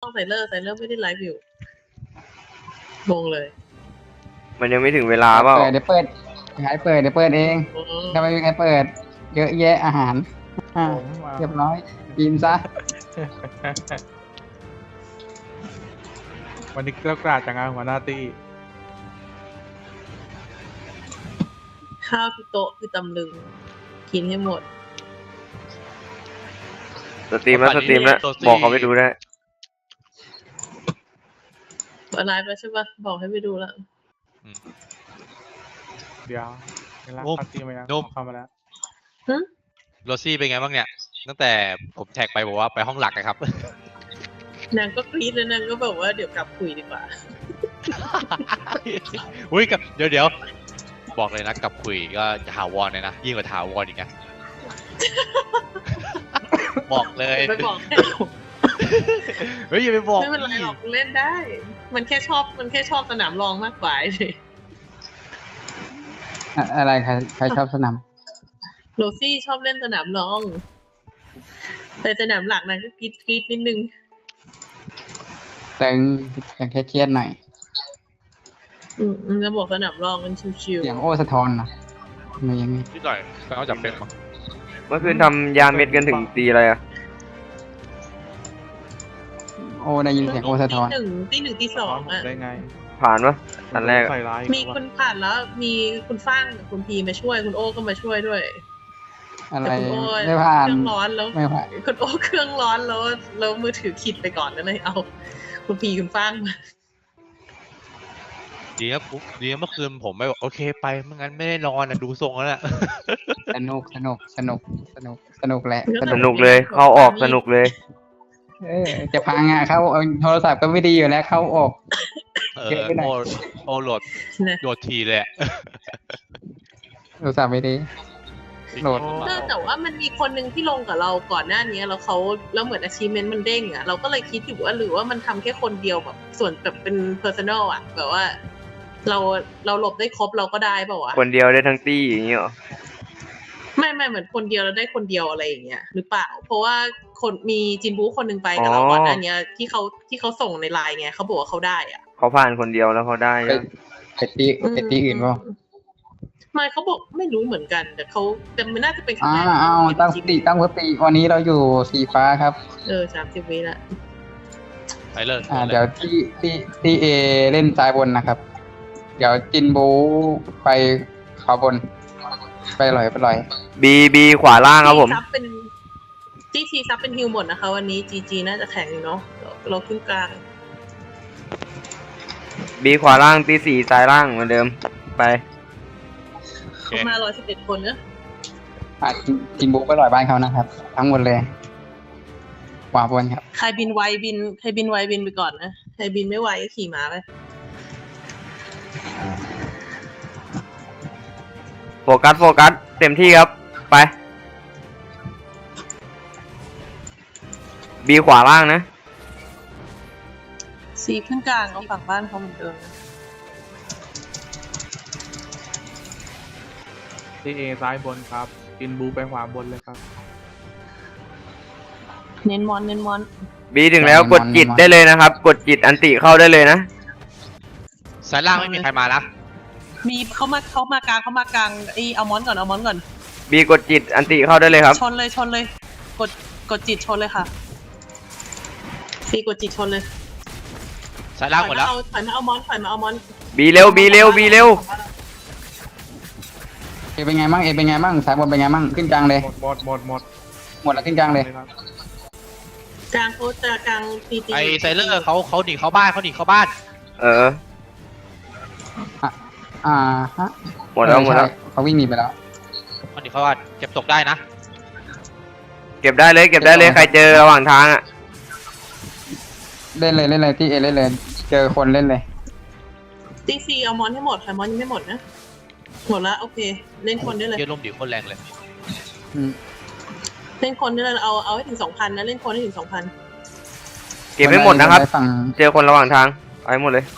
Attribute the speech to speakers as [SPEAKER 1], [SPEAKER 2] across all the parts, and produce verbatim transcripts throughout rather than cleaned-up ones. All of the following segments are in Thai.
[SPEAKER 1] ไซเลอร์ไซเลอร์ไม่ได้ไลฟ์อยู่งงเลย
[SPEAKER 2] มันยังไม่ถึงเวลาเปล่า
[SPEAKER 3] เปิดเดี๋ยวเปิดใครเปิดเดี๋ยวเปิดเองถ้าไม่มีใครเปิด เยอะแยะอาหารอ่าเรียบร้อยกินซะ
[SPEAKER 4] วันนี้เกล้ากราดจากงานหัวหน้าตี้
[SPEAKER 1] ข้าวที่โต๊ะคือตำลึงกินให้หมด
[SPEAKER 2] สตรีมแล้วสตรีมแล้วบอกเขาไปดูได้
[SPEAKER 1] ไลฟ์แล้วใช่ปะบอกให้ไปดูแล้ว
[SPEAKER 4] เดี๋ยวเวลาปาร์ตี้มาแล้วเข้ามาแล้ว
[SPEAKER 5] โรซี่เป็นไงบ้างเนี่ยตั้งแต่ผมแท็กไปบอกว่าไปห้องหลักนะครับ
[SPEAKER 1] นางก็กรี๊ดแล้วนางก็แบบว่าเดี๋ยวกลับคุยดีกว่า
[SPEAKER 5] อุ้ยกับเดี๋ยวเดี๋ยวบอกเลยนะกับคุยก็จะถาวรเลยนะยิ่งกว่าถาวรอีกนะบอกเลย
[SPEAKER 1] ไปบอก
[SPEAKER 5] เฮ้ยอย่าไปบอก
[SPEAKER 1] ไม่เป็นไรหรอกเล่นได้มันแค่ชอบมันแค่ชอบสนามรองมากกว่าเลย
[SPEAKER 3] อะไรใครใครชอบสนาม
[SPEAKER 1] โรซี่ชอบเล่นสนามรองแต่สนามหลักนางก็กรี๊ดกรี๊ดนิดนึง
[SPEAKER 3] แต่ยังแค่เครียดหน่อย
[SPEAKER 1] อืมจะบอกสนามรองมันชิวๆ
[SPEAKER 3] อย่างโอ้สะท้อนนะมันยังไง
[SPEAKER 5] นิดหน่อยก็เอาจับเป็นมั้ง
[SPEAKER 2] เมื่อคืนทำยาเม็ดกันถึงตีอะไรอะ
[SPEAKER 3] โอ้ได้ยินเสียงโอ้สะท้อน
[SPEAKER 1] ตีหนึ่งตีหนึ่งตีสองอะ
[SPEAKER 4] ได้ไง
[SPEAKER 2] ผ่านปะอันแรก
[SPEAKER 1] มีคุณผ่านแล้วมีคุณฟ้างกับคุณพีมาช่วยคุณโอ้ก็มาช่วยด้วย
[SPEAKER 3] อะไรไม่ผ่าน
[SPEAKER 1] เครื่องร้อนแล้ว
[SPEAKER 3] ไม่ผ่าน
[SPEAKER 1] คุณโอ้เครื่องร้อนแล้วแล้วมือถือขิดไปก่อนแล้วเลยเอาคุณพีคุณฟ้างมา
[SPEAKER 5] ดีครับดีเมื่อคืนผมไม่บอกโอเคไปไม่งั้นไม่ได้นอนนะดูทรงแล้วแหละ
[SPEAKER 3] สนุกสนุกสนุกสนุกสนุกแหละ
[SPEAKER 2] สนุกเลยเข้าออกสนุกเลย
[SPEAKER 3] เออจะพังอ่ะเข้าโทรศัพท์ก็ไม่ดีอยู่แล้วเข้าออก
[SPEAKER 5] เออโอ้โอ้โหลดโหลดทีเลย
[SPEAKER 3] โทรศัพท์ไม่ดีโหลด
[SPEAKER 1] แต่ว่ามันมีคนหนึ่งที่ลงกับเราก่อนหน้านี้แล้วเขาแล้วเหมือน achievement มันเด้งอ่ะเราก็เลยคิดอยู่ว่าหรือว่ามันทำแค่คนเดียวแบบส่วนแบบเป็น personal อ่ะแบบว่าเราเราหลบได้ครบเราก็ได้เปล่าวะ
[SPEAKER 2] คนเดียวได้ทั้งตี้อย่างเงี้ยหรอ
[SPEAKER 1] ไม่ไม่เหมือนคนเดียวเราได้คนเดียวอะไรอย่างเงี้ยหรือเปล่าเพราะว่าคนมีจินบูคนหนึ่งไปกับเราก่อนหน้านี้ที่เขาที่เขาส่งในไลน์ไงเขาบอกว่าเขาได้อ่ะ
[SPEAKER 2] เขาผ่านคนเดียวแล้วเขาได้
[SPEAKER 3] ไปตีไปตีอื่นป่ะ
[SPEAKER 1] ไม่เขาบอกไม่รู้เหมือนกันแต่เขาแต่มันน่าจะเป็น
[SPEAKER 3] อ่าเอาตั้งสติตั้งสติวันนี้เราอยู่สีฟ้าครับ
[SPEAKER 1] เออสามสิบวิละ
[SPEAKER 5] ไปเลย
[SPEAKER 3] อ่าเดี๋ยวที่ที่ที่เอเล่นซ้ายบนนะครับเดี๋ยวจินบูไปขวาบนไปลอยไปลอย
[SPEAKER 2] บีบีขวาล่างครับผม
[SPEAKER 1] ซับเป็นจีทีซับเป็นฮิวหมดนะคะวันนี้จีจีน่าจะแข็งอยู่เนาะเราขึ้นกลาง
[SPEAKER 2] บีขวาล่างตีสี่ซ้ายล่างเหมือนเดิมไป
[SPEAKER 1] เขามาร้อยสิบเอ็ดคนเนอะ
[SPEAKER 3] อ่ะจินบูไปลอยบ้านเขานะครับทั้งหมดเลยขวาบนครับ
[SPEAKER 1] ใครบินไวบินใครบินไวบินไปก่อนนะใครบินไม่ไวก็ขี่ม้าไป
[SPEAKER 2] โฟกัสโฟกัสเต็มที่ครับไปบีขวาล่างนะ
[SPEAKER 1] ซีขึ้นกลางเอาฝั่งบ้านเขาเหมือนเดิม
[SPEAKER 4] ที่เอซ้ายบนครับจินบูไปขวาบนเลยครับ
[SPEAKER 1] เน้นมอนเน้นมอน
[SPEAKER 2] บีถึงแล้วกดจิตได้เลยนะครับกดจิตอันติเข้าได้เลยนะ
[SPEAKER 5] สายล่างไม่มีใครมานะ
[SPEAKER 1] มีเขามาเขามากลางเขามากลางไอเอามอนก่อนเอามอนก่อน
[SPEAKER 2] บีกดจิตอันติเข้าได้เลยครับ
[SPEAKER 1] ชนเลยชนเลยกดกดจิตชนเลยค่ะบีกดจิตชนเลย
[SPEAKER 5] สายล่างหมดแล้ว
[SPEAKER 1] ถอยมาเอามอนถอยมาเอามอน
[SPEAKER 2] บีเร็วบีเร็วบีเร็ว
[SPEAKER 3] เอเป็นไงบ้างเอเป็นไงบ้างสายบนเป็นไงบ้างขึ้นกลางเลย
[SPEAKER 4] หมดหมดหมด
[SPEAKER 3] หมดแล้วขึ้นกลางเลย
[SPEAKER 1] กลางโคตรกลางตีตี
[SPEAKER 5] ไอไซเลอร์เขาเขาหนีเข้าบ้านเขาหนีเข้าบ้าน
[SPEAKER 2] เออ
[SPEAKER 3] อ่าฮะ
[SPEAKER 2] หมดแล้วหมดแล้ว
[SPEAKER 3] เขาวิ่งหนีไปแล้ว
[SPEAKER 5] เขาหนีเข้าบ้านเก็บตกได้นะ
[SPEAKER 2] เก็บได้เลยเก็บได้เลยใครเจอระหว่างทางอ่ะ
[SPEAKER 3] เล่นเลยเล่นเลยที่เอเล่นเลยเจอคนเล่นเลย
[SPEAKER 1] ตีซีเอามอนให้หมดค่ะมอนยังไม่หมดนะหมดแล้วโอเคเล่นคนได้เลย
[SPEAKER 5] เยอะลมดีคนแรงเลย
[SPEAKER 1] เล่นคนได้เลยเอาเอาให้ถึงสองพันนะเล่นคนให้ถึงสองพัน
[SPEAKER 2] เก็บไม่หมดนะครับเจอคนระหว่างทางเอาให้หมดเลย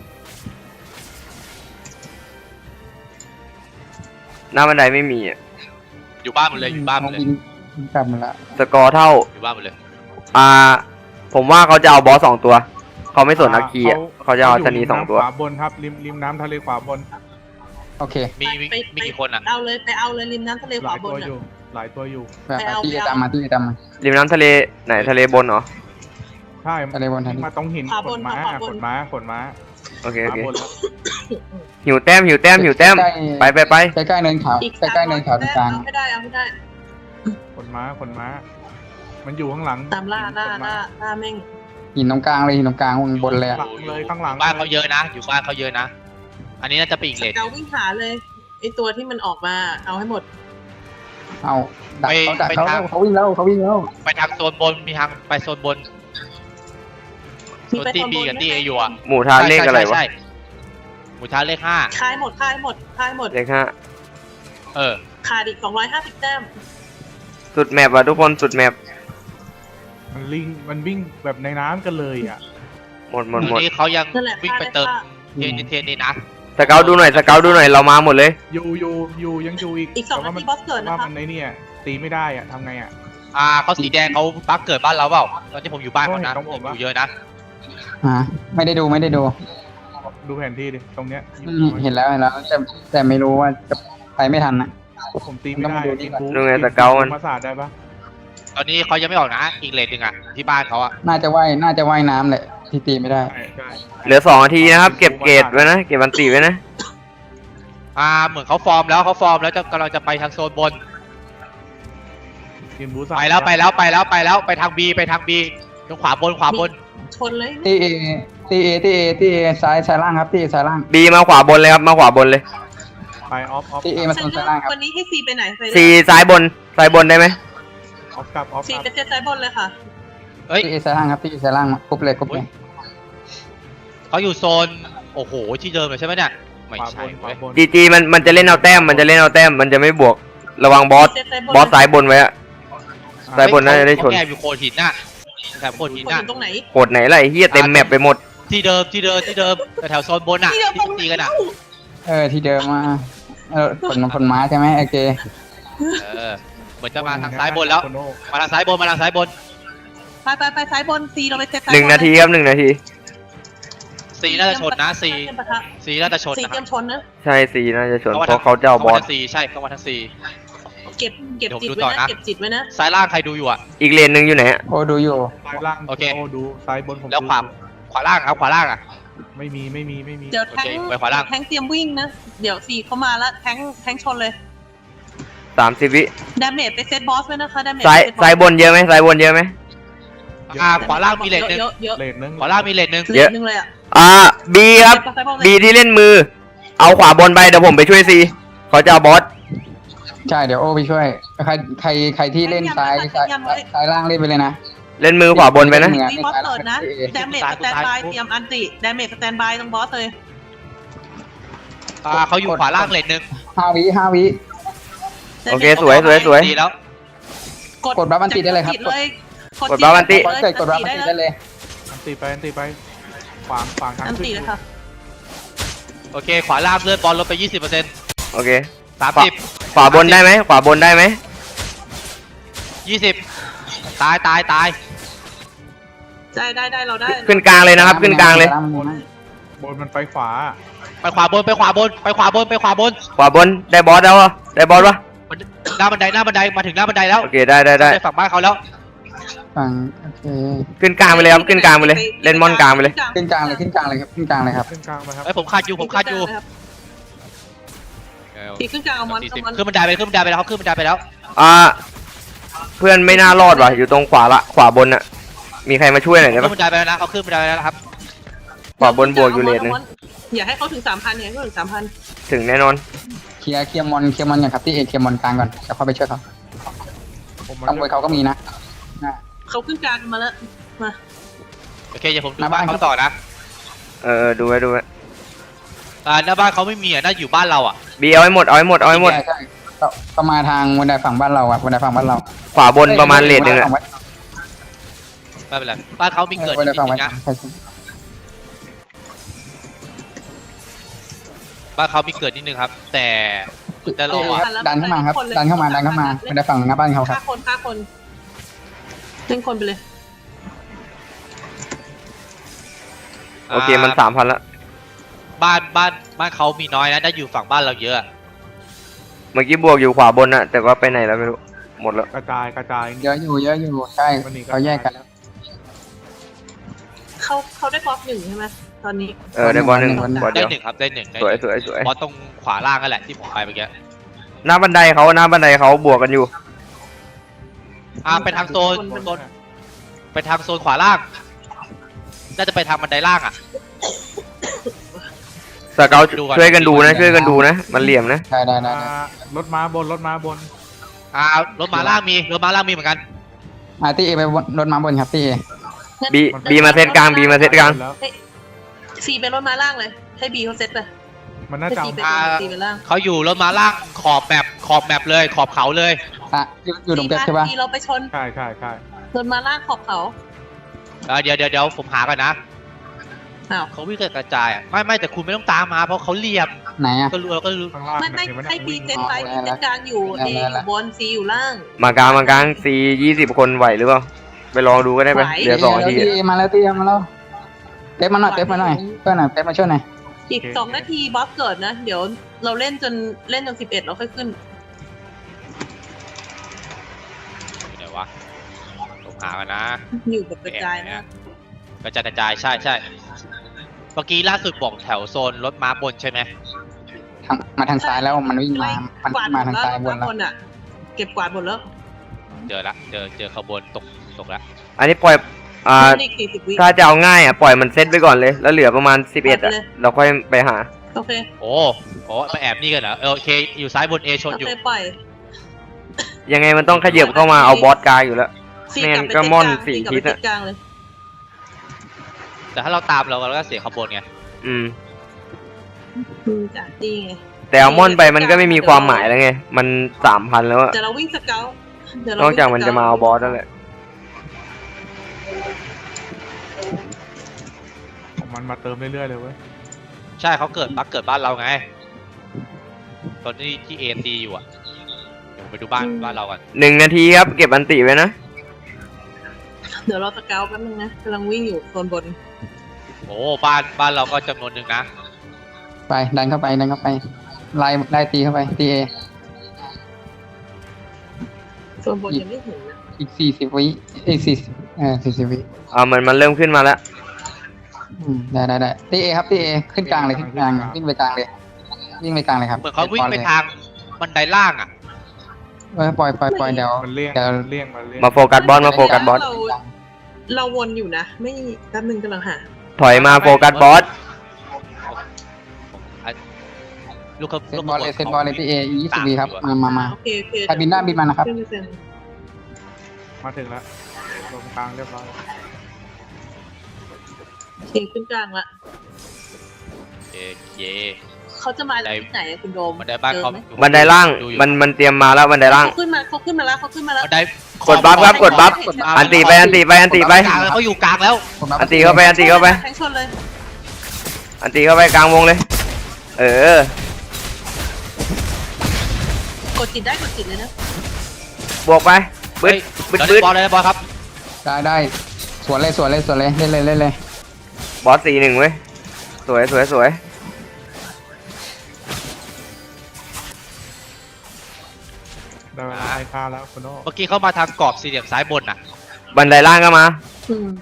[SPEAKER 2] หน้าบันไดไม่มีอ่ะ
[SPEAKER 5] อยู่บ้านหมดเลยอยู่บ้านหมดเลย
[SPEAKER 3] กลับมาละ
[SPEAKER 2] สกอร์เท่า
[SPEAKER 5] อยู่บ้านหมดเลย
[SPEAKER 2] อ่าผมว่าเขาจะเอาบอสสองตัวเขาไม่สนอาคีอ่ะ
[SPEAKER 4] เขา
[SPEAKER 2] เขาจะเอา
[SPEAKER 4] ยู่
[SPEAKER 2] ชะนีสองตัว
[SPEAKER 4] ริมน้ำขวาบนครับริมริมน้ำทะเลขวาบน
[SPEAKER 3] โอเค
[SPEAKER 5] มีมี
[SPEAKER 1] ไป
[SPEAKER 5] มีกี่คนอ่ะ
[SPEAKER 1] เอาเลยไปเอาเลยริมน้ำทะเล
[SPEAKER 4] ห
[SPEAKER 1] ขวา
[SPEAKER 4] ลาย
[SPEAKER 1] บ
[SPEAKER 4] ตั
[SPEAKER 1] น
[SPEAKER 4] ว
[SPEAKER 1] อะ
[SPEAKER 4] อยู่หลายตัวอยู่
[SPEAKER 3] แบบ
[SPEAKER 1] ไปเอา
[SPEAKER 3] ที่
[SPEAKER 1] ไปเอา
[SPEAKER 3] ตามมาที่ตามมา
[SPEAKER 2] ริมน้ำทะเลไหนทะเลบนเหรอ
[SPEAKER 4] ใช่
[SPEAKER 3] ทะเลบนทะเล
[SPEAKER 4] มาตรงหิน
[SPEAKER 1] ขวา
[SPEAKER 4] ข
[SPEAKER 1] บ
[SPEAKER 4] น
[SPEAKER 1] น
[SPEAKER 4] ม้า
[SPEAKER 1] ขวาบน
[SPEAKER 4] ขนม้าขนม้า
[SPEAKER 2] โอเค
[SPEAKER 4] ข
[SPEAKER 2] โอ
[SPEAKER 4] วา
[SPEAKER 2] เค
[SPEAKER 4] บนแล้ว
[SPEAKER 2] หิวแต้มหิวแต้มหิวแต้มไปไปไป
[SPEAKER 3] ใกล้ๆเนินเขา
[SPEAKER 1] อีก
[SPEAKER 3] ใกล้ๆเนินเขาตรงกลาง
[SPEAKER 1] เอาไม่ได้เอาไม่ได้
[SPEAKER 4] ขนม้าขนม้า มันอยู่ข้างหลัง
[SPEAKER 1] ตามล่าล่า
[SPEAKER 4] ขนม้
[SPEAKER 1] ล่าล่าแม่ง
[SPEAKER 3] หินตรงกลางเลยหินตรงกลางบนเลยอะ
[SPEAKER 4] หลังเลยข้างหลัง
[SPEAKER 5] บ้านเขาเยอะนะ อยู่บ้านเขาเยอะนะ อันนี้น่าจะเป็นอีกเลน
[SPEAKER 1] เราวิ่งหาเลยไอตัวที่มันออกมาเอาให้หมด
[SPEAKER 3] เอาดัก
[SPEAKER 5] ไป
[SPEAKER 3] เขาดัก
[SPEAKER 5] ไป
[SPEAKER 3] เขา
[SPEAKER 5] ทาง
[SPEAKER 3] เขาวิ่งแล้วเขาวิ่งแล้ว
[SPEAKER 5] ไปทางโซนบนมีทางไปโซนบนโซนที่บีกับที่เออยู่อ่ะ
[SPEAKER 2] หมูทานเลขอะไรวะ
[SPEAKER 5] ใช่หมูท้าเลขห้า
[SPEAKER 1] คายหมดคายหมดคายหมด
[SPEAKER 2] เลขห้า
[SPEAKER 5] เออ
[SPEAKER 1] ขาดอีกสองร้อยห้าสิบแต้ม
[SPEAKER 2] สุดแมปว่ะทุกคนสุดแมป
[SPEAKER 4] มันลิงมันวิ่งแบบในน้ำกันเลยอ่ะ
[SPEAKER 2] หมดหมด
[SPEAKER 5] ตอน
[SPEAKER 2] หมด
[SPEAKER 5] นี้เขายัง
[SPEAKER 1] นั่นแหละ
[SPEAKER 5] วิ่งไปเติม
[SPEAKER 1] ฆ่า
[SPEAKER 5] เทียนเทียนนี่นะ
[SPEAKER 2] สเกลดูหน่อยสเกลดูหน่อยเรามาหมดเลย
[SPEAKER 4] อยู่อยู่อยู่ยังอยู่อีก
[SPEAKER 1] อีกสอง
[SPEAKER 4] แต่
[SPEAKER 1] นา
[SPEAKER 4] ว่ามั
[SPEAKER 1] ทีบอสเกิด
[SPEAKER 4] ว่า
[SPEAKER 1] นะคะ
[SPEAKER 4] มันในเนี่ยตีไม่ได้อ่ะทำไงอ่ะ
[SPEAKER 5] อ่าเขาสีแดงเขาบักเกิดบ้านเราเปล่าตอนที่ผมอยู่บ้านเขานะ
[SPEAKER 4] โอ้ยต้องผม
[SPEAKER 5] อ
[SPEAKER 4] วะ
[SPEAKER 5] ยู่เยอะนะ
[SPEAKER 3] ฮะไม่ได้ดูไม่ได้ดู
[SPEAKER 4] ดูแผนที่ดิตรงเนี้ย
[SPEAKER 3] อืมเห็นแล้วเห็นแล้วแต่แต่ไม่รู้ว่าจะไปไม่ทันนะ
[SPEAKER 4] ผมตีไม่ได้
[SPEAKER 3] ต้องมาดูนี่
[SPEAKER 4] กิน
[SPEAKER 3] ก่อน
[SPEAKER 4] บู
[SPEAKER 2] ดูไงแต่เกามัน
[SPEAKER 4] มาสาดได้ปะ
[SPEAKER 5] ตอนนี้เขายังไม่ออกนะอีกเลนหนึ่งอ่ะที่บ้านเขาอ่ะ
[SPEAKER 3] น่าจะว่ายน่าจะว่ายน้ำแหละที่ตีไม่ได้
[SPEAKER 4] ใช่ใช่
[SPEAKER 2] เหลือสองนาทีนะครับเก็บเกรดไว้นะเก็บบันตีไว้นะ
[SPEAKER 5] อ่าเหมือนเขาฟอร์มแล้วเขาฟอร์มแล้วจะกำลังจะไปทางโซนบน
[SPEAKER 4] กินบูสาด
[SPEAKER 5] ไปแล้วไปแล้วไปแล้วไปแล้วไปทางบีไปทางบีตรงขวาบนขวาบน
[SPEAKER 1] ชนเลย
[SPEAKER 3] ตีเอตีเอตีเอตีเอซ้ายซ้ายล่างครับตีเอซ้ายล่าง
[SPEAKER 2] บีมาขวาบนเลยครับมาขวาบนเลย
[SPEAKER 4] ไปออฟออฟ
[SPEAKER 3] ตีเอมาโซนซ้ายล่างครับ
[SPEAKER 1] วันนี้ให้ซีไปไหนไปเลย
[SPEAKER 2] ซีซ้ายบนซ้ายบนได้ไหม
[SPEAKER 4] ออฟกลับออฟ
[SPEAKER 1] ซี
[SPEAKER 4] กลับ
[SPEAKER 1] ไปเซตซ้ายบนเลยค่ะ
[SPEAKER 5] เอ้ย
[SPEAKER 3] ตีเอซ้ายล่างครับตีเอซ้ายล่างกรุ๊ปเลยกรุ๊ปเลย
[SPEAKER 5] เขาอยู่โซนโอ้โหที่เดิมเลยใช่ไหมเนี่ยไม่
[SPEAKER 4] ขวาบ
[SPEAKER 5] ใช่
[SPEAKER 4] นข
[SPEAKER 5] เว้
[SPEAKER 4] วาย บน
[SPEAKER 2] จีจีมันมันจะเล่นเอาแต้มมันจะเล่นเอาแต้มมันจะไม่บวกระวังบอส
[SPEAKER 1] เซตซ้ายบน
[SPEAKER 2] บอสซ้ายบนไว้อะ ซ้ายบนน่าจะได้ชน
[SPEAKER 5] เขาแอบอยู่โคนหินน่ะแถวโคนหิน
[SPEAKER 1] คน
[SPEAKER 5] น่ะ
[SPEAKER 1] อยู่ตรงไหน
[SPEAKER 2] โหดไหนล่ะไอ้เฮียเต็มแมปไปหมด
[SPEAKER 5] ที่เดิมที่เดิมที่เดิมแถวโซนบนน่ะ
[SPEAKER 1] ที่เดียว
[SPEAKER 5] ที่ตีกันอ่ะ
[SPEAKER 3] เออที่เดิมมาเออผลผลไม้ใช่ไหมโอเค
[SPEAKER 5] เออเหมือนจะมาทางซ้ายบนแล้ว
[SPEAKER 4] โคโ
[SPEAKER 5] มาทางซ้ายบนมาทางซ้ายบน
[SPEAKER 1] ไปไปไปซ้ายบนซีเราไปเซตซ้าย
[SPEAKER 2] หนึ่งนาทีครับหนึ่งนาที
[SPEAKER 5] สีน่าจะชนนะสี
[SPEAKER 1] เตรียมปะทะ
[SPEAKER 5] สีน่าจะชน
[SPEAKER 1] ซี
[SPEAKER 5] นะ
[SPEAKER 1] เตรียมชนนะ
[SPEAKER 2] ใช่ซีน่าจะชน
[SPEAKER 5] เขามา
[SPEAKER 2] เพราะเขาจะเอาบอส
[SPEAKER 5] ทางสีใช่เขามาทางสี
[SPEAKER 1] เก็บเก็บ
[SPEAKER 5] เดี๋ยวผม
[SPEAKER 1] จิต
[SPEAKER 5] ดู
[SPEAKER 1] ไว้
[SPEAKER 5] ต่อ
[SPEAKER 1] นะ
[SPEAKER 5] นะ
[SPEAKER 1] เก็บจิตไว้นะ
[SPEAKER 5] ซ้ายล่างใครดูอยู่อ่ะ
[SPEAKER 2] อีกเลนหนึ่งอยู่ไหนอะ
[SPEAKER 3] โอ้ดูอยู่
[SPEAKER 4] ซ้ายล่าง
[SPEAKER 5] โอเค
[SPEAKER 4] โอ้ดูซ้ายบนผม
[SPEAKER 5] แล้วขวา
[SPEAKER 4] ดู
[SPEAKER 5] ขวาล่างเอาขวาล่างอ่ะ
[SPEAKER 4] ไม่มีไม่มีไม่มี
[SPEAKER 1] เดี๋ยวแทง
[SPEAKER 5] โอเคไปขวาล่าง
[SPEAKER 1] แทงเตรียมวิ่งนะเดี๋ยวซีเข้ามาแล้วแทงแทงชนเลย
[SPEAKER 2] สามสิบวิ
[SPEAKER 1] ดาเมจไปเซตบอสไว้นะคะดาเมจ
[SPEAKER 2] ซ้ายซ้ายบนเยอะไหมซ้ายบนเยอะไหม
[SPEAKER 5] อ่าขวาล่างมีเลนหนึ่ง
[SPEAKER 1] เยอะเยอะ
[SPEAKER 4] เลนนึง
[SPEAKER 5] ขวาล่างมีเลนหนึ่ง
[SPEAKER 1] เยอะนึงเลยอ่ะ
[SPEAKER 2] อ่าบีครับ
[SPEAKER 1] เดี๋ยวซ้ายบนเลย
[SPEAKER 2] บีที่เล่นมือ เอาขวาบนไปเดี๋ยวผมไปช่วยซีเขาจะเอาบอส
[SPEAKER 3] ใช่เดี๋ยวโอ้ไปช่วยใครใครใครที่เล่นซ้ายซ้ายซ้ายล่างเล่นไปเลยนะ
[SPEAKER 2] เล่นมือขวาบนไปนะ
[SPEAKER 3] เหมือน
[SPEAKER 1] มีบอสเกิดนะดาเมจสแตนบายเตรียมอันติดาเมจสแตนบายตรงบอสเลย
[SPEAKER 5] อ่าเขาอยู่ขวาล่างเลนหนึ่ง
[SPEAKER 3] ห้าวิห้าวิ
[SPEAKER 2] โอเคสวยสวยสวย
[SPEAKER 5] ดีแล้ว
[SPEAKER 3] กดบัฟอันติได้เลยครับ
[SPEAKER 1] กดเลย
[SPEAKER 2] กดบัฟอันติ
[SPEAKER 3] กดเกิดกดรับมันติดได้เลย
[SPEAKER 4] อันตีไปอันตีไปขวางขวางทาง
[SPEAKER 1] อัน
[SPEAKER 4] ขึ้น
[SPEAKER 1] ติเลยค่ะ
[SPEAKER 5] โอเค ขวาล่างเลือดบอลลดไปยี่สิบเปอร์เซ็นต์
[SPEAKER 2] โอเค
[SPEAKER 5] สามสิบ
[SPEAKER 2] ขวาบนได้ไหมขวาบนได้ไหม
[SPEAKER 5] ยี่สิบตายตายตาย
[SPEAKER 1] ได้ได้ได้เราได้
[SPEAKER 2] ขึ้นกลางเลยนะครับ ขึ้นกลางเลย
[SPEAKER 4] บนมันไปขวา
[SPEAKER 5] ไปขวาบนไปขวาบนไปขวาบนไปขวาบน
[SPEAKER 2] ขวาบนได้บอสแล้วเหรอได้บอสปะ
[SPEAKER 5] หน้าบันไดหน้าบันไดมาถึงหน้าบันไดแล้ว
[SPEAKER 2] โอเคได้ได้ได้
[SPEAKER 5] ฝั่งบ้านเขาแล้ว
[SPEAKER 3] ฝั่งโอเค
[SPEAKER 2] ขึ้นกลางไปเลยครับขึ้นกลางไปเลย เล่นมอนกลางไปเลย
[SPEAKER 3] ขึ้นกลางเลยขึ้นกลางเลยครับขึ้นกลางเลยครับ
[SPEAKER 4] ขึ้นกลางไปครับ
[SPEAKER 5] ไอ้ยผมคาดอยู่ผมคาดอยู่
[SPEAKER 1] ตีขึ้นกลางเอามอน
[SPEAKER 5] สี่
[SPEAKER 1] เอา
[SPEAKER 5] สิบ
[SPEAKER 1] มอน
[SPEAKER 5] ขึ้นบันไดไปขึ้นบันไดไปแล้วเขาขึ้นบันไดไปแล้ว
[SPEAKER 2] อ่าเพื่อนไม่น่ารอดว่ะอยู่ตรงขวาละขวาบนอะมีใครมาช่วยหน่อยได้
[SPEAKER 5] ขึ้
[SPEAKER 2] ปะ
[SPEAKER 5] นบันไดไปแล้วนะเขาขึ้นบันไดไปแล้วนะครับ
[SPEAKER 2] ขวาบนบวกอยู่เลนนึง
[SPEAKER 1] อย่าให้เขาถึงสามพันอย่าให้เขาถึงสามพัน
[SPEAKER 2] ถึงแน่นอน
[SPEAKER 3] เคลียร์เคลียร์มอนเคลียร์มอนอย่างครับที่เอเคลียร์มอนกลางก่อนเดี๋ยวเข้าไปช่วยเขา
[SPEAKER 4] ผม
[SPEAKER 3] ต้องไปเขาก็มีนะ
[SPEAKER 1] เขาขึ้นกลางมาแล้วมา
[SPEAKER 5] โอเคเดี๋ยวผมดูบ้านเขาต่อนะ
[SPEAKER 2] เออดูไว้ดูไว้
[SPEAKER 5] อ่าหน้าบ้านเขาไม่มีอ่ะน่าอยู่บ้านเราอ่ะ
[SPEAKER 2] บีเอาให้หมดเอาให้หมดเอาให้หมด
[SPEAKER 3] ใช่ใช่ก็ก็มาทางบันไดฝั่งบ้านเราอะบันไดฝั่งบ้านเรา
[SPEAKER 2] ขวาบนประมาณเลนหนึ่งอะ
[SPEAKER 5] ไม่เป็นไรบ้านเขามีเกิด
[SPEAKER 3] บันได
[SPEAKER 5] นิด
[SPEAKER 3] ฝั่ง
[SPEAKER 5] นึ
[SPEAKER 3] บ้าน
[SPEAKER 5] งนะ
[SPEAKER 3] ใช่ใช่
[SPEAKER 5] บ้านเขามีเกิดนิดนึงครับ แต่แต่เราอ่ะ
[SPEAKER 3] ดันเข้ามาครับดันเข้ามาดันเข้ามาบันไดฝั่งหน้าบ้านเขาค
[SPEAKER 1] ฆ่า
[SPEAKER 3] รับ
[SPEAKER 1] คนฆ่าคนเล่นคนไปเลย
[SPEAKER 2] โอเคมันสามพันละ
[SPEAKER 5] บ้านบ้านบ้านเขามีน้อยนะถ้าอยู่ฝั่งบ้านเราเยอะ
[SPEAKER 2] เมื่อกี้บวกอยู่ขวาบนอะแต่ว่าไปไหนแล้วไม่รู้หมดแล้ว
[SPEAKER 4] กระจายกระจาย
[SPEAKER 3] เยอะอยู่เยอะอยู่ใช่
[SPEAKER 4] วันนี้ก็
[SPEAKER 3] เขาแยกกันแล้ว
[SPEAKER 1] เขาเขาได้บล็อกหนึ่งใช่ไหมตอนนี้
[SPEAKER 2] เออได้บอลหนึ่ง
[SPEAKER 3] วันหนึ่ง
[SPEAKER 2] บอล
[SPEAKER 5] ได้
[SPEAKER 2] เดียว
[SPEAKER 5] หนึ่งครับได้หนึ่งได้
[SPEAKER 2] สวย
[SPEAKER 5] หนึ่ง
[SPEAKER 2] สวยสวย
[SPEAKER 5] เพราะตรงขวาล่างนั่นแหละที่ผมไปเมื่อกี้
[SPEAKER 2] หน้าบันไดเขาหน้าบันไดเขาบวกกันอยู่
[SPEAKER 5] อ่าไปทางโซนโซนไปทางโซนขวาล่างน่าจะไปทางบันไดล่างอ่ะ
[SPEAKER 2] สเกล
[SPEAKER 5] ดูก่อน
[SPEAKER 2] ช่วยกันดูนะช่วยกันดูนะมันเหลี่ยมนะ
[SPEAKER 3] ได้ได้ได้
[SPEAKER 4] อ่า
[SPEAKER 3] ได้
[SPEAKER 4] รถม้าบนรถม้าบน
[SPEAKER 5] อ่ารถม้าล่างมีรถม้าล่างมีเหมือนกัน
[SPEAKER 3] อ่าตีเอไปบนรถมาบนครับตีเอ
[SPEAKER 2] บีบีมาเซตกลางบีมาเซตกลาง
[SPEAKER 4] แล้ว
[SPEAKER 1] ซีเป็นรถม้าล่างเลย ให้บีเขาเซตไป
[SPEAKER 4] มันน่า
[SPEAKER 1] ให้
[SPEAKER 4] จะ
[SPEAKER 1] ซี
[SPEAKER 4] เอา
[SPEAKER 1] เป็นซีเป็นล่าง
[SPEAKER 5] เขาอยู่รถม้าล่างขอบแมปขอบแมปเลยขอบเขาเลย
[SPEAKER 3] อ่ะอยู่อยู่ตรงเต็มใช่ปะ
[SPEAKER 1] ซีเราไปชน
[SPEAKER 4] ใช่ใช่ใช่
[SPEAKER 1] รถม้าล่างขอบเขา
[SPEAKER 5] อ่าเดี๋ยวเดี๋ยวเดี๋ยวผมหาก่อนนะ
[SPEAKER 1] อ้าว
[SPEAKER 5] เขาวิ่งกระจายอ่ะไม่ไม่แต่คุณไม่ต้องตามมาเพราะเขาเหลี่ยม
[SPEAKER 3] ไหนอ่ะ
[SPEAKER 5] ก็รู้เราก็รู้
[SPEAKER 4] ข้างล่าง
[SPEAKER 1] ไม่ไม่
[SPEAKER 4] เห็นห
[SPEAKER 1] ให้
[SPEAKER 4] นะ
[SPEAKER 1] บีเซตไป
[SPEAKER 3] อ๋
[SPEAKER 1] บี
[SPEAKER 3] อ
[SPEAKER 1] เซตกลางอยู่
[SPEAKER 3] ได้
[SPEAKER 1] เอ
[SPEAKER 3] ได้
[SPEAKER 1] อ
[SPEAKER 3] ได้
[SPEAKER 1] ยู่บนซีอยู่ล่าง
[SPEAKER 2] มากลางมากลางซียี่สิบคนไหวหรือเปล่าไปลองดูก็ได้ไป
[SPEAKER 1] ไหว
[SPEAKER 2] เหลือสองนาที
[SPEAKER 3] ตีเอมาแล้วตีเอมาแล้วเต็มมาหน่อยเต็มมาหน่อยเพื่อนหน่อยเต็มมาช่วยหน่อย
[SPEAKER 1] อีกสองนาทีบอสเกิดนะ เดี๋ยวเราเล่นจนเล่นจนสิบเอ็ดเราค่อยขึ้น
[SPEAKER 5] อยู่ไหนวะผมหากันนะ
[SPEAKER 1] อยู่แบบกระจายนะ
[SPEAKER 5] กระจายกระจายใช่ใช่เมื่อกี้ล่าสุดบอกแถวโซนรถม้าบนใช่ไหม
[SPEAKER 3] ทางมาทางซ้ายแล้วมันวิ่งมา มัน
[SPEAKER 1] กวาด
[SPEAKER 3] วิ่ง
[SPEAKER 1] หม
[SPEAKER 3] มา
[SPEAKER 1] ด
[SPEAKER 3] ทาง
[SPEAKER 1] แล้ว
[SPEAKER 3] ซ้ายบน
[SPEAKER 1] รถ
[SPEAKER 3] แล้ว
[SPEAKER 1] บนอ่ะ เก็บกวาดหมดแล้ว
[SPEAKER 5] เจอละเจอเจอขบวนตกตกละ
[SPEAKER 2] อันนี้ปล่อยอ่า
[SPEAKER 1] อีกสี่สิบวิ
[SPEAKER 2] ถ้าจะเอาง่ายอ่ะปล่อยมันเซตไปก่อนเลย แล้วเหลือประมาณสิบเอ็ดอ่ะเราค่อยไปหา
[SPEAKER 1] โอเค
[SPEAKER 5] โอ้โหมาแอบนี่กันเหรอเออโอเคอยู่ซ้ายบนเอชน
[SPEAKER 1] โอ
[SPEAKER 5] อยู่
[SPEAKER 1] เคปล่อย
[SPEAKER 2] ยังไงมันต้องขยับเข้ามาเอาบอสกลางอยู่แล้ว
[SPEAKER 1] ซี
[SPEAKER 2] แม่
[SPEAKER 1] กลั
[SPEAKER 2] ง
[SPEAKER 1] บไป
[SPEAKER 2] ก็
[SPEAKER 1] เซต
[SPEAKER 2] ม่อน
[SPEAKER 1] กลาง
[SPEAKER 2] สี่
[SPEAKER 1] ซีกลับ
[SPEAKER 2] ทิ
[SPEAKER 1] ไป
[SPEAKER 2] ศ
[SPEAKER 1] เซ
[SPEAKER 2] อะ
[SPEAKER 1] ตกลางเลย
[SPEAKER 5] แต่ถ้าเราตามเราเราก็เสียขบวนไง
[SPEAKER 2] อืม
[SPEAKER 1] อืมจ้ะนี่ไง
[SPEAKER 2] แต่เอาม่อนไปมันก็ไม่มีความหมายแล้วไงมันสามพันแล้วอะ
[SPEAKER 1] เดี๋ยวเราวิ่งสเกลเดี๋ยวเรา
[SPEAKER 2] นอก
[SPEAKER 1] วิ่ง
[SPEAKER 2] จากมันจะมาเอาบอสนั่นแหละ
[SPEAKER 4] มันมาเติมเรื่อยๆเลยเว้ย
[SPEAKER 5] ใช่เขาเกิดบักเกิดบ้านเราไงตอนที่ที่เอตีอยู่อ่ะเดี๋ยวไปดูบ้านบ้านเรากัน
[SPEAKER 2] หนึ่งนาทีครับเก็บอันติไว้นะ
[SPEAKER 1] เดี๋ยวเราสเกลแป๊บนึงนะกำลังวิ่งอยู่โซนบน
[SPEAKER 5] โอ้บ้านบ้านเราก็จำนวนหนึ่งนะ
[SPEAKER 3] ไปดันเข้าไปดันเข้าไปไล่ไล่ตีเข้าไปตีเอ
[SPEAKER 1] โซนบนยังไม่ถึงนะ
[SPEAKER 3] อีกสี่สิบวิอีกสี่สิบเออสี่สิบวิ
[SPEAKER 2] อ่ามันมันเริ่มขึ้นมาแล้ว
[SPEAKER 3] อืมได้ได้ได้ตีเอครับตีเอขึ้นกลางเลยขึ้นกลางวิ่งไปกลางเลยวิ่งไปกลางเลยครับ
[SPEAKER 5] เหมือนเขาวิ่งไปทางบันไดล่างอ่ะ
[SPEAKER 3] เออปล่อยปล่อยปล่อยเดี๋ยว
[SPEAKER 4] มันเลี่ยง
[SPEAKER 3] เดี๋ยว
[SPEAKER 4] มันเลี่ยงมันเลี่ยง
[SPEAKER 2] มาโฟกัสบอสมาโฟกัสบอส
[SPEAKER 1] เราเราวนอยู่นะ ไม่แป๊บนึงกำลังหา
[SPEAKER 2] ถอยมาโฟกัสบอส
[SPEAKER 5] ลูกเขา
[SPEAKER 3] เซตบอลเลยเซตบอลเลยตีเอยี่สิบวิครับมามามา
[SPEAKER 1] โอเคโอเค
[SPEAKER 3] ใครบินหน้าบินมานะครับ
[SPEAKER 1] ขึ้ไปเซ็น
[SPEAKER 4] มาถึงแล้วลงกลางเรียบร้อย
[SPEAKER 1] โอเคขึ้นกลางละ
[SPEAKER 5] เอเค
[SPEAKER 1] เขาจะมาจากที่ไหนอะคุณโดม
[SPEAKER 5] บันไดบ้านเขา
[SPEAKER 1] เจอไหม
[SPEAKER 2] บันไดล่าง
[SPEAKER 5] ดูอยู่
[SPEAKER 2] มันมันเตรียมมาแล้วบันไดล่าง
[SPEAKER 1] เขาขึ้นมาเขาขึ้นมาแล้วเขาขึ้นมาแล้ว
[SPEAKER 5] บันได
[SPEAKER 2] กดบัฟครับกดบัฟอันติไปอันติไปอันติไป
[SPEAKER 5] กลางแล้วเขาอยู่กลางแล้ว
[SPEAKER 3] ผมรับ
[SPEAKER 2] อันติเข้าไปอันติเข้าไป
[SPEAKER 1] แทงชนเลย
[SPEAKER 2] อันติเข้าไปกลางวงเลย เออ
[SPEAKER 1] กดจิตได้กดจิตเลยนะ
[SPEAKER 2] บวกไปบึ้ดบึ้ด
[SPEAKER 5] เดี๋ยว
[SPEAKER 2] บึ้
[SPEAKER 5] เล่
[SPEAKER 2] ด
[SPEAKER 5] นบอลเลยบอลครับ
[SPEAKER 3] ได้ได้สวนเลยสวนเลยสวนเลยเล่นเลยเล่นเลย
[SPEAKER 2] บอสสี่หนึ่งเว้ยสวยสวยสวย
[SPEAKER 4] ได้เวลาให้ค่าแล้วคุณโน่
[SPEAKER 5] เมื่อกี้เขามาทางกรอบสี่เหลี่ยมซ้ายบนน่ะ
[SPEAKER 2] บันไดล่างก็มา
[SPEAKER 1] อืม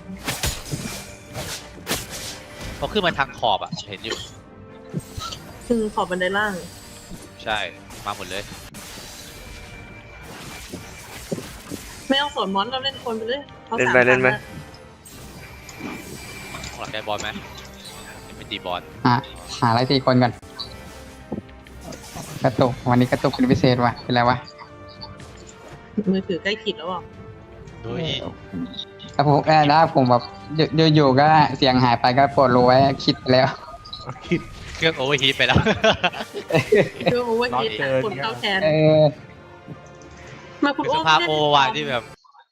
[SPEAKER 5] เขาขึ้นมาทางขอบอ่ะเห็นอยู่
[SPEAKER 1] คือขอบบันไดล่าง
[SPEAKER 5] ใช่มาหมดเลย
[SPEAKER 1] ไม่เอาสวนมอนเราเล่นคนไปเลยขา
[SPEAKER 2] เล่น
[SPEAKER 1] สาม
[SPEAKER 2] ไปเล่นไป
[SPEAKER 1] พัะ
[SPEAKER 5] ข้างหลังได้บอลไหมยังไม่ตีบอล
[SPEAKER 3] หาหาอะไรตีคนก่อนกระตุกวันนี้กระตุกเป็นพิเศษว่ะเป็นไรวะ
[SPEAKER 1] มือถือใกล้ขีดแล้วอ่ะ
[SPEAKER 5] เฮ้ย
[SPEAKER 3] ถ้าผมแอบได้ผมแบบอยู่อยู่ๆก็เสียงหายไปก็ปวดรู้ไว้คิดไปแล้ว
[SPEAKER 4] คิด
[SPEAKER 5] เครื่องโอเวอร์ฮีทไปแล้ว
[SPEAKER 1] เรื่องโอเวอร์ฮีท
[SPEAKER 4] รอเจอ
[SPEAKER 1] คนเข้าแทน
[SPEAKER 3] เออ
[SPEAKER 1] มาคุณ
[SPEAKER 5] เป็น
[SPEAKER 1] โอ้
[SPEAKER 5] สภาพโอว่ะที่แบบ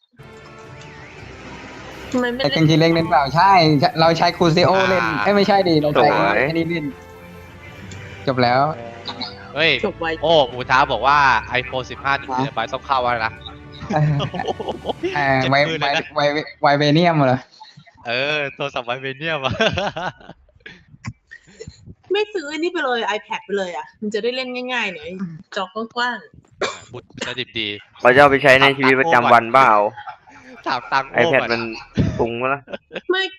[SPEAKER 1] ทำไมไม่
[SPEAKER 3] ไอ้
[SPEAKER 1] เล่
[SPEAKER 3] กัง
[SPEAKER 1] น
[SPEAKER 3] จีเล่นเล่นเปล่าใช่ เราใช้คูซิโอเล่น
[SPEAKER 5] อ่า
[SPEAKER 3] เอ้ยไม่ใช่ดิเราใช้
[SPEAKER 2] สวย
[SPEAKER 3] ไอ้นี่เล่นจบแล้ว
[SPEAKER 5] เฮ้ย
[SPEAKER 1] จบไว
[SPEAKER 5] โอ้หมูท้าบอกว่า iPhone สิบห้าหนึ่งเทราไบต์ต้องเข้าแล้วนะ
[SPEAKER 3] เออ
[SPEAKER 5] โอ้โห
[SPEAKER 3] เออ
[SPEAKER 5] เจ็ด
[SPEAKER 3] ไว
[SPEAKER 5] หมื่น
[SPEAKER 3] ไว
[SPEAKER 5] เลยนะ
[SPEAKER 3] ไวไวเวเนียมเหรอ
[SPEAKER 5] เออโทรศัพท์ไวเบเนียมอะ
[SPEAKER 1] ไม่ซื้ออันนี้ไปเลย iPad ไปเลยอ่ะ มันจะได้เล่นง่ายๆหน่อยจอกว้าง
[SPEAKER 5] บุตรจะดิบดี
[SPEAKER 2] เขาจะเอาไปใช้ในชีวิตประจำวันเปล่า
[SPEAKER 5] ถามตังค์โอ้
[SPEAKER 2] iPad
[SPEAKER 5] ก่อน
[SPEAKER 2] มันปรุงมาละ
[SPEAKER 1] ๆไม่